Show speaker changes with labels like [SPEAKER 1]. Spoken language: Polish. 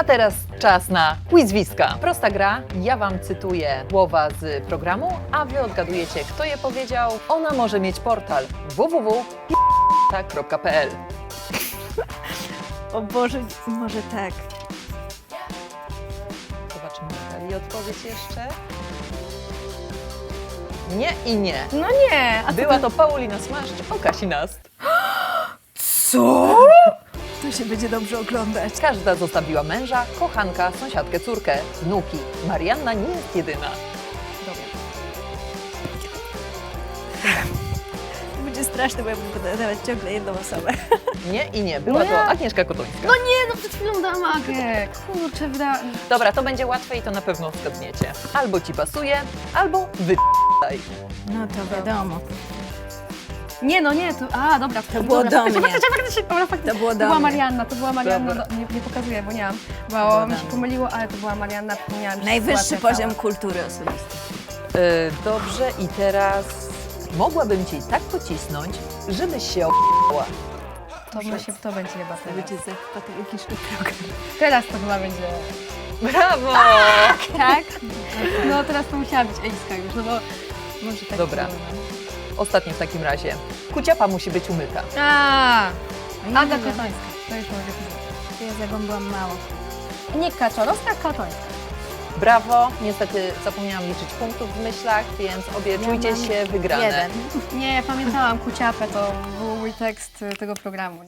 [SPEAKER 1] teraz czas na quizwiska. Prosta gra, ja Wam cytuję słowa z programu, a Wy odgadujecie, kto je powiedział. Ona może mieć portal www.pl.
[SPEAKER 2] O Boże, może tak.
[SPEAKER 1] Zobaczymy, Natalii odpowiedź jeszcze. Nie i nie.
[SPEAKER 2] No nie. A
[SPEAKER 1] Była to Paulina Smaszcz o Kasi Nast.
[SPEAKER 2] co? To się będzie dobrze oglądać.
[SPEAKER 1] Każda zostawiła męża, kochanka, sąsiadkę, córkę, wnuki. Marianna nie jest jedyna.
[SPEAKER 2] Dobra. To będzie straszne, bo ja będę podawać ciągle jedną osobę.
[SPEAKER 1] Nie i nie. Była
[SPEAKER 3] Nie.
[SPEAKER 1] to Agnieszka Kotońska.
[SPEAKER 3] No nie, no przed chwilą dałam Agę. Kurczę,
[SPEAKER 1] Dobra, to będzie łatwe i to na pewno zgadniecie. Albo ci pasuje, albo wy***aj.
[SPEAKER 2] No to wiadomo.
[SPEAKER 3] Nie, no nie, to... A, dobra.
[SPEAKER 2] To było do mnie.
[SPEAKER 3] Faktycznie, dobra, faktycznie.
[SPEAKER 2] To było do
[SPEAKER 3] była
[SPEAKER 2] mnie.
[SPEAKER 3] Marianna, to była Marianna.
[SPEAKER 1] Dobra.
[SPEAKER 3] No, nie pokazuję, bo nie mam.
[SPEAKER 2] było
[SPEAKER 3] Bo
[SPEAKER 2] do
[SPEAKER 3] mi się
[SPEAKER 2] mnie.
[SPEAKER 3] pomyliło, ale to była Marianna, przypomniałam.
[SPEAKER 2] Najwyższy poziom kultury osobistej.
[SPEAKER 1] Dobrze, i teraz mogłabym ci tak pocisnąć, żebyś się o***ała.
[SPEAKER 3] To będzie chyba
[SPEAKER 2] To
[SPEAKER 3] teraz.
[SPEAKER 2] będzie za patologiczny program.
[SPEAKER 3] Teraz to chyba będzie...
[SPEAKER 1] Brawo!
[SPEAKER 3] Tak? No teraz to musiała być Ejska już, no bo... Może tak
[SPEAKER 1] Dobra.
[SPEAKER 3] było, no.
[SPEAKER 1] Ostatni w takim razie. Kuciapa musi być umyta.
[SPEAKER 3] Aga Kotońska. To już mogę powiedzieć.
[SPEAKER 2] Ja zagąbłam mało.
[SPEAKER 3] Nie Kaczorowska, Kotońska.
[SPEAKER 1] Brawo! Niestety zapomniałam liczyć punktów w myślach, więc obie czujcie
[SPEAKER 2] mam
[SPEAKER 1] się wygrane.
[SPEAKER 2] jeden.
[SPEAKER 3] Nie, ja pamiętałam Kuciapę, to był mój tekst tego programu.